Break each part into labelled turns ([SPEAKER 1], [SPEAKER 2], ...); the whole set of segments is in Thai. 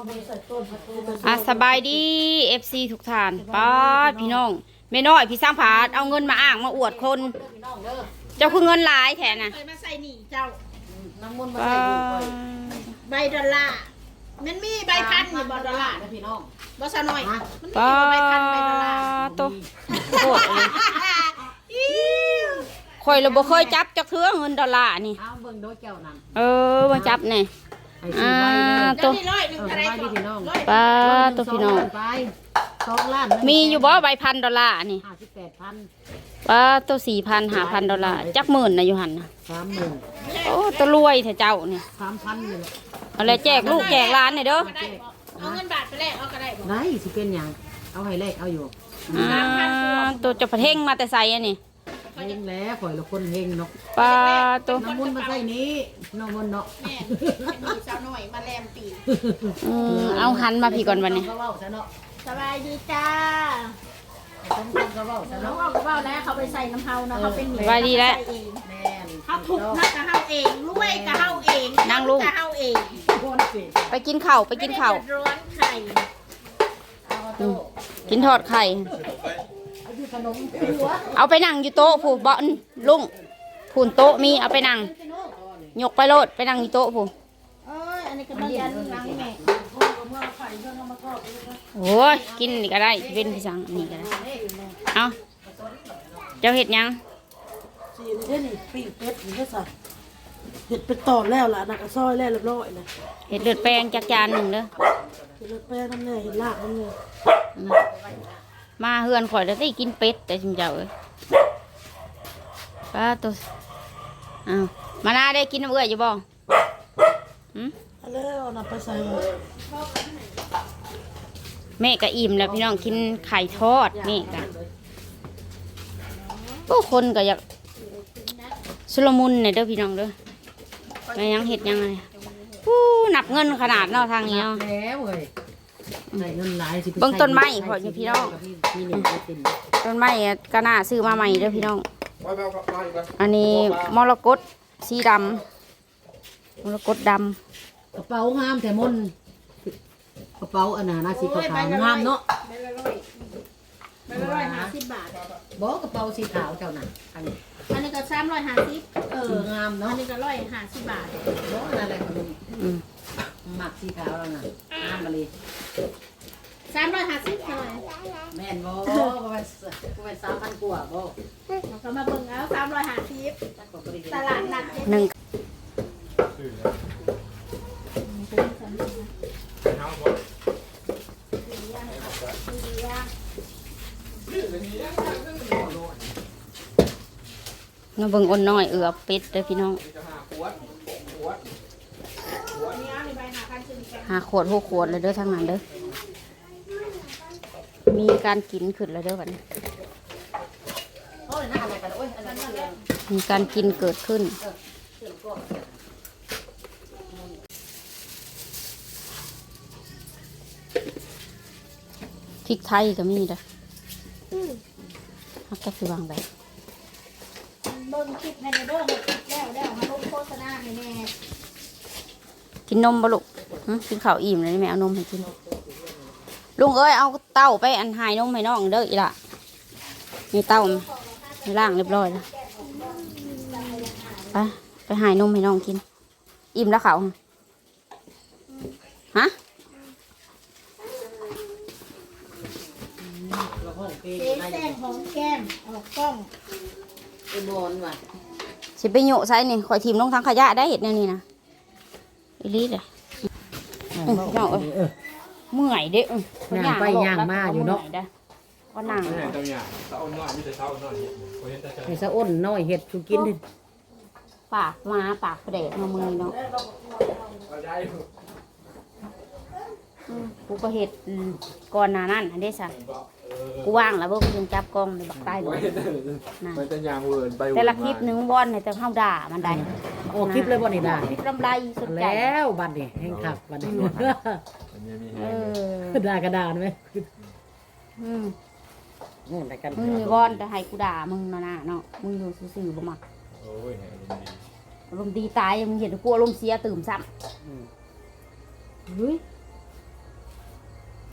[SPEAKER 1] สบายดีFC ทุกท่านป้าพี่น้องแม่น้อยพี่สร้างผาดเอาเงินมาอ้างมาอวดคนเจ้าคือเงินหลายแทนน่ะ
[SPEAKER 2] มาใส่หนีเจ้า
[SPEAKER 3] น้ำมันมาใส่ดู
[SPEAKER 2] ใบดอลลาร์มันมีใบพันอยู่บดอลลาร์นะพี่น้องบ่ซะหน่อยมันมีใบพันใบดอลลาร์
[SPEAKER 1] ตัวโคตรเลยข่อยเราบ่เคยจับจักเทื่อเงินดอลลาร์นี่
[SPEAKER 3] เอาเบิ่งโดเจ้านั่น
[SPEAKER 1] มาจับนี่
[SPEAKER 2] ตัว
[SPEAKER 1] ป้าตัวพี่น้องมีอยู่บ่ใบ$1,000นี่
[SPEAKER 3] 58,000
[SPEAKER 1] ป้าตัว4,000 $5,000จัก10,000นะอยู่หั่นน่ะ
[SPEAKER 3] 30,000
[SPEAKER 1] โอ้ตัวรวยแท้เจ้านี่
[SPEAKER 3] 3,000นี่
[SPEAKER 1] เอาเลยแจกลูกแจกหลานนี่เด้อ
[SPEAKER 2] เอาเงินบาทไปแลกเอาก็ได้บ่
[SPEAKER 3] ได้สิเป็นหยังเอาให้แลกเอาอยู่
[SPEAKER 1] ตัวจะประเทงมาแต่ใส่อันนี้
[SPEAKER 3] เฮงแล้วข่อยละคนเฮงเนาะ
[SPEAKER 1] ป้าตัว
[SPEAKER 3] น้ำมันมาใส่นี้น้ำมันเนาะ
[SPEAKER 2] แม่มีสาวน้อยมาแลมปี
[SPEAKER 1] เอาหันมาพี่ก่อนวันนี้
[SPEAKER 2] สบายดีจ้าน้องเอากระเป๋าแล้วเขาไปใส่น้ำเฮาเนาะเขาเป็นหมี
[SPEAKER 1] สบายดีแล้ว
[SPEAKER 2] เขาถูกนักกะเฮาเองรวยกะเฮาเอง
[SPEAKER 1] นั่งลุง
[SPEAKER 2] กะเฮาเอง
[SPEAKER 1] ไปกินข้าวไปกินข้าว
[SPEAKER 2] ร้อนไข่
[SPEAKER 1] กินทอดไข่เอาไปนั่งอยู่โต๊ะผู้บ่อนลุงผู้โต๊ะมีเอาไปนั่งยกไปโลดไปนั่งอยู่โต๊ะผู้
[SPEAKER 2] อันนี้ก็มายันนั่งแม่
[SPEAKER 1] โอ้ยกินนี่ก็ได้เป็นพี่สังนี่ก็ได้เอาเจ้าเห็ดยัง
[SPEAKER 4] สีนี่นี่ปีกเป็ดนี่ก็ใส่เห็ดเป็นตอนแล้วล่ะนักซอยแล้วเรียบร้อยเลย
[SPEAKER 1] เห็ดเลือดแป้งจากจานหนึ่งเด้อ
[SPEAKER 4] เห็ดเลือดแป้งน้ำเนี่ยเห็ดลากน้ำเนี่ย
[SPEAKER 1] มาเฮือนข่อยแล้วได้กินเป็ดแต่ชิมเจ้าเอ้ยป้าตัวอ้าวมานาได้กินน้ำเอื้อยอยู่บ่
[SPEAKER 4] แล้วนับไปใส่
[SPEAKER 1] แม่ก็อิ่มแล้วพี่น้องกินไข่ทอดแม่ก็พวกคนก็อยากสุลมุนเนี่ยเด้อพี่น้องเด้อแม่ยังเห็ดยังไงนับเงินขนาดเนาะทางนี้เนาะ
[SPEAKER 3] แล้วเว้ยเงินหลายสิ
[SPEAKER 1] เบิ่งต้นไม้พออยู่พี่น้องต้นไม้ก็น่าซื้อมาใหม่เด้อพี่น้องอันนี้มรกตสีดำมรกตดำ
[SPEAKER 3] กระเป๋างามแต่มนกระเป๋าอันน่ะน่าสิขาวงามเนาะ
[SPEAKER 2] ใบละ150 บาท
[SPEAKER 3] บอกกระเป๋าสีขาวเจ้าน่ะอันนี้
[SPEAKER 2] ก็350
[SPEAKER 3] งามเนาะ
[SPEAKER 2] อันนี้ก็150 บาท
[SPEAKER 3] บอกอะไรของมึงหมักสีขาวแล้วน่ะงามมาเลย
[SPEAKER 2] 350เท่าไหร่
[SPEAKER 3] แม่นบ่ประมาณ3,000 กว่าบ่
[SPEAKER 2] เราก็มาเบิ่งเอา350ตลาดนัด
[SPEAKER 1] หนึ่งมาเบิ่งอ่อนน้อยเป็ดเด้อพี่น้อง5 ขวด6 ขวดเลยเด้อทางนั้นเด้อมีการกินขึ้นแล้วเด้อบัดนี้มีการกินเกิดขึ้นพริกไทยก็มีเด้อฮักแค่คือวางแบบ
[SPEAKER 2] เบิ่งคลิปในเด้อแล้วมาลงโฆษณาให้แม่
[SPEAKER 1] กินนมบ่ลูกกินข้าวอิ่มเลยแม่เอานมให้กินลุงเอ้ยเอาเต้าไปอันหายนมให้น้องเด้ออีล่ะมีเต้าล่างเรียบร้อยแล้วไปหายนมให้น้องกินอิ่มแล้วเขาฮะ
[SPEAKER 2] แป้งหอมแก้มออกกล้อง
[SPEAKER 3] ไอ้บอลว่ะ
[SPEAKER 1] สิไปโยใส่นี่ข่อยทีมลงทางขยะได้เห็ดนี่นะอีลีเลยน้องเมื่อยเด้
[SPEAKER 3] ย่างไปย่างมาอยู่เนาะ
[SPEAKER 1] ก็นั่ง
[SPEAKER 5] เจ้าอย่างเจ้าน้อยมีแต่เจ้าน้อย
[SPEAKER 3] ไอ้สะอ้นน้อยเห็ดชูกินดิ
[SPEAKER 1] ปากมาปากเด็กมามือเนาะกูก็เห็ดก่อนหน้านั้นอันนี้สักกูว่างแล้วเบิ่งยังจับกล้องในบักใต้เลย
[SPEAKER 5] มันจะยางเวิร์นไป
[SPEAKER 1] แต่ละคลิปนึงบอลในแต่เข้าด่ามันได้
[SPEAKER 3] โอ้คลิปเลยบอลนี่ด่า
[SPEAKER 1] คลิปลำไรสุดใจ
[SPEAKER 3] แล้วบัดนี่แห้งขับบัดนี่ด่ากระดานไหม
[SPEAKER 1] มึงบอลแต่ให้กูด่ามึงนะเนาะมึงอยู่ซื่อๆบ่มักอารมณ์ดีตายมึงเห็นกูอารมณ์เสียตื่มซ้ำเฮ้ย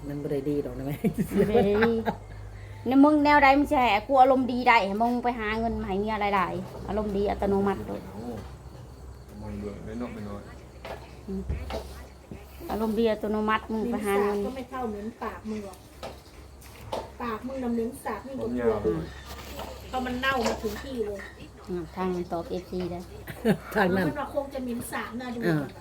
[SPEAKER 3] มันบ่ได้ดีดอกนะแม่
[SPEAKER 1] ในมึงแนวใดมึงจะให้กูอารมณ์ดีได้ให้มึงไปหาเงินมาให้เมียหลายๆอารมณ์ดีอัตโนมัติเลย
[SPEAKER 5] มันเบื่อไม่นอกไม่น้อย
[SPEAKER 1] อารมณ์ดีอัตโนมัติมึง
[SPEAKER 2] เห
[SPEAKER 1] ไป
[SPEAKER 2] ม็น
[SPEAKER 1] หา
[SPEAKER 2] สา
[SPEAKER 1] เงิ
[SPEAKER 2] บ
[SPEAKER 1] น
[SPEAKER 2] ก็ไม่เท่าเหม็นปากมึงหรอกปากมึงน่ะเหม็นสาบนี่
[SPEAKER 5] ผ
[SPEAKER 2] ก็
[SPEAKER 5] ม
[SPEAKER 2] ก
[SPEAKER 5] ยา
[SPEAKER 2] ลัว
[SPEAKER 5] ว
[SPEAKER 2] เพราะมันเน่ามาถึงที่เลย
[SPEAKER 1] ทางตอบเอฟซีได้
[SPEAKER 3] ทางนั้น
[SPEAKER 2] มันว่าคงจะเหม็นสาบน่าดู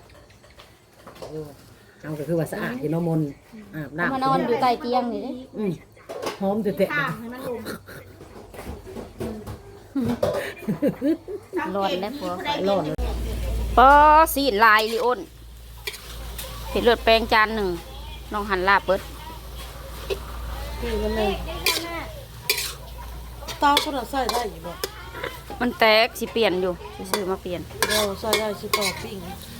[SPEAKER 3] เอาก็คือว่าสะอาดอยู่เนาะมนต์อาบน้ำ
[SPEAKER 1] มานอนอยู่ใต้เตียงนี่เด้
[SPEAKER 3] หอมเตะ
[SPEAKER 2] ข้างให้มันลง
[SPEAKER 1] ร้อนแล้วผัว
[SPEAKER 3] ๆร้อนเลย
[SPEAKER 1] ปอสีลายลิโอนเห็ดเลือดแปลงจานหนึ่งน้องหันลาบเบิด
[SPEAKER 4] พี่กันเลยเตาก็ใส่ได้อยู่บ่
[SPEAKER 1] มันแตกสิเปลี่ยนอยู่ซื้อมาเปลี่ยน
[SPEAKER 4] เราใส่ได้สิต่อปิ้ง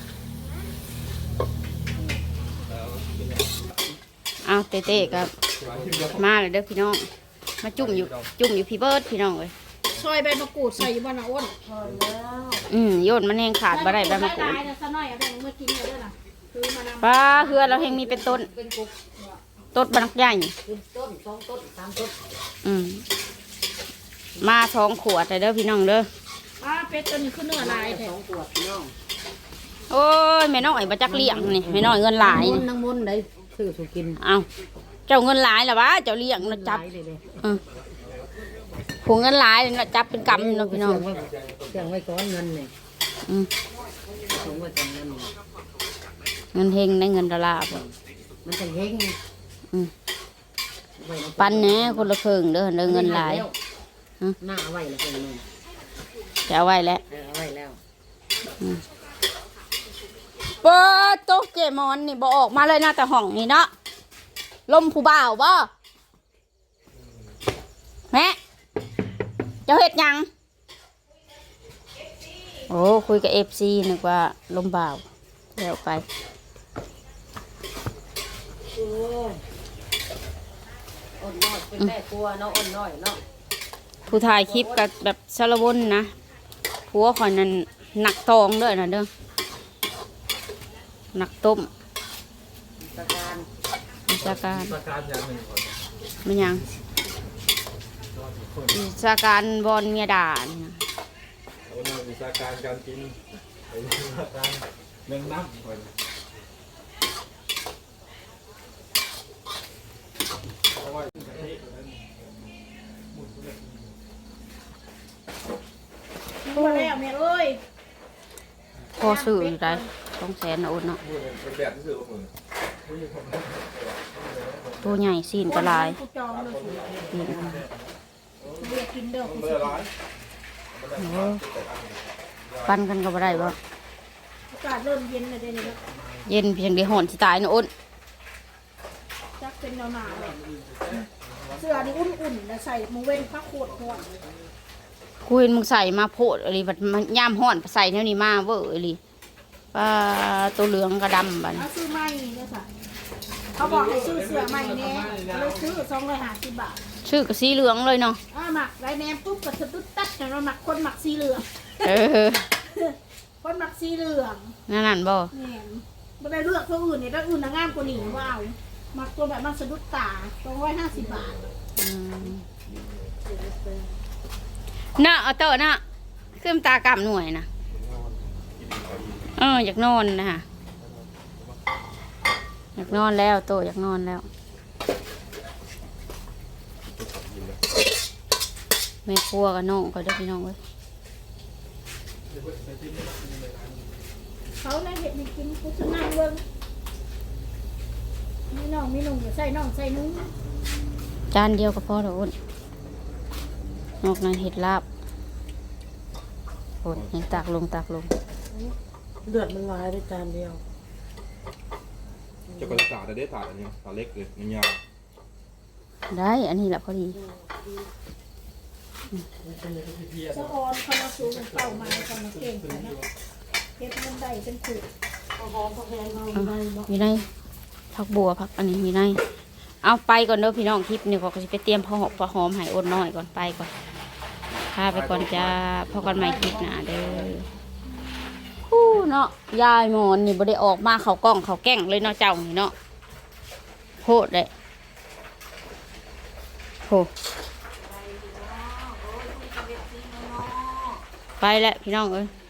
[SPEAKER 1] เอาเต้ๆครับมาเลยเด้อพี่น้องมาจุ่มอยู่พี่เบิร์ดพี่น้องเลย
[SPEAKER 2] ซอยใบมะกรูดใส่บ้านอ้น
[SPEAKER 1] โยนมันแห้งขาดบ่ได้ใบมะกรูด
[SPEAKER 2] ได้ซะหน่อยเอาไปเมื่อกินเลยด้วยนะคือมานำ
[SPEAKER 1] ป้าเฮือเราแห้งมีเป็นต้นต้นบักใหญ่
[SPEAKER 3] ต้น2ต้น3ต้น
[SPEAKER 1] มา2 ขวดเลยเด้อพี่น้องเด้อ
[SPEAKER 2] เป็ดตัวนี้คือเนื้อลายแท้
[SPEAKER 3] 2ขวดพี่น้อง
[SPEAKER 1] โอ้ยแม่น้อยบ่จักเลี้ยงนี่แม่น้อยเงินหลาย
[SPEAKER 3] มน
[SPEAKER 1] นี่
[SPEAKER 3] ต์นางมนต์ได้ซื้อสู่กิน
[SPEAKER 1] เอาเจ้าเงินหลายล่ะวะเจ้าเลี้ยงนะจับ
[SPEAKER 3] เลย
[SPEAKER 1] ผูเงินหลายนะจับเป็นกำเนาะพี่น้อง
[SPEAKER 3] เสียงไว้ก่อนเงินนี่
[SPEAKER 1] อืม
[SPEAKER 3] ส่งไว้ก่อนเงิน
[SPEAKER 1] เงินเฮงได้เงินดอลลาร์บ่
[SPEAKER 3] มันจะเฮง
[SPEAKER 1] ปันแหน่คนละครึ่งเด้อเด้อเงินหลาย
[SPEAKER 3] หน้าเอาไว้แล้วเพิ่นนึง
[SPEAKER 1] จะเอาไว้แล้ว
[SPEAKER 3] เอาไว้แล้ว
[SPEAKER 1] เปิดโต๊ะเจมอนนี่บ่ออกมาเลยนะแต่ห้องนี่เนาะลมผู้บ่าวบ่แม่เจ้าเฮ็ดหยังโอ้คุยกับ FC นึกว่าลมบ่าวแล้วไป
[SPEAKER 3] อ่อนน้อยเป็นแม่ครัวเนาะอ่อนน้อยเนาะ
[SPEAKER 1] ผู้ถ่ายคลิปกับแบบสารวนนะผัวข่อยนั้นหนักทองเด้อนะเด้อหนักต้ม
[SPEAKER 3] ประการ
[SPEAKER 1] วิชาการ
[SPEAKER 5] ประการอย่างหนึ่งก่อน
[SPEAKER 1] ไม่ยังวิชาการบอลเมียด่านี่นะ
[SPEAKER 5] เอาหน้าวิชาการการกินไอ้วิชาการเรื่องน้ำก่อนเอาไว้
[SPEAKER 2] มาแล้วแม่เอ้ย
[SPEAKER 1] พอซื้ออยู่ได้200,000นะอุ่นเนาะ
[SPEAKER 5] เป็นแบบที่สื่อมือ
[SPEAKER 1] ตัวใหญ่ซีนกระลาย
[SPEAKER 2] กูจองเลย
[SPEAKER 1] นี่นะ
[SPEAKER 2] กูอยากกินเด้อกู
[SPEAKER 5] เบอร์ร้อย
[SPEAKER 1] โอ้ปันกันก็บ่ได้บ่
[SPEAKER 2] อากาศเริ่มเย็นเลยเดี๋ยวนี้นะ
[SPEAKER 1] เย็นเพียงเดียวหอนสิตายนะอุ่น
[SPEAKER 2] จักเป็นหนาวๆเลยเสื้อนี่อุ่นๆแล้วใส่มือเว้นผ้าโคตรห่อน
[SPEAKER 1] กูเห็นมึงใส่มาโพดอะไรบัดมันย่ามห่อนใส่แนวนี้มาเว้ออะไรปลาตัวเหลืองกระดำบัด
[SPEAKER 2] เอาซื้อใหม่เนี่ยค่ะเขาบอกให้ซื้อเสื้อใหม่แน่ก็เลยซื้อ250 บาท
[SPEAKER 1] ชื่อก็สีเหลืองเลยเนาะ
[SPEAKER 2] หมักไรแนมปุ๊บก็สะดุดตัดแต่เราหมักคนหมักสีเหลือง
[SPEAKER 1] เออ
[SPEAKER 2] คนหมักสีเหลือง
[SPEAKER 1] นั่นบ่
[SPEAKER 2] แหม่ไม่ได้เลือกตัวอื่นเนี่ยตัวอื่นน่ะงามกว่านี้ว้าวหมักตัวแบบมันสะดุดตา250 บาท
[SPEAKER 1] น่ะเอาเตอะน่ะขึ้นตากำหน่วยนะอยากนอนนะฮะอยากนอนแล้วโตอยากนอนแล้วแม่ครัวกับน้องก็ได้พี่น้องเว้ย
[SPEAKER 2] เขาน่ะเห็ดให้กินกูจะนั่งเบิ่งมีน้องมีหนุ่มอย่าใส่น้องใส่นุ้ง
[SPEAKER 1] จานเดียวก็พอแล้วอุ่นนอกนั้นเห็ดลาบโอ้ยยังตักลง
[SPEAKER 4] เลือดมันลายได้จานเดียว
[SPEAKER 5] จะกระสาแต่ได้ถาดอันนี้ถาดเล็กเลยมันยาว
[SPEAKER 1] ได้อันนี้แหละพอดี
[SPEAKER 2] สะออนเขามาสูงเป้าไม้เขามาเก่งกันนะเฮ็ดมันได้เป็นขุด
[SPEAKER 1] มีในผักบัวผักอันนี้มีในเอาไปก่อนเด้อพี่น้องคลิปนี่ก็จะไปเตรียมพอหอมใหายอดน้อยก่อนไปก่อนพาไปก่อนจ้าพอกันใหม่คลิปหน้าเด้อคู่เนาะยายหมอนนี่บ่ได้ออกมาเขากล้องเขาแก่งเลยเนาะเจ้านี่เนาะพโพดเลยโหไปแล้วพี่น้องเอ้ย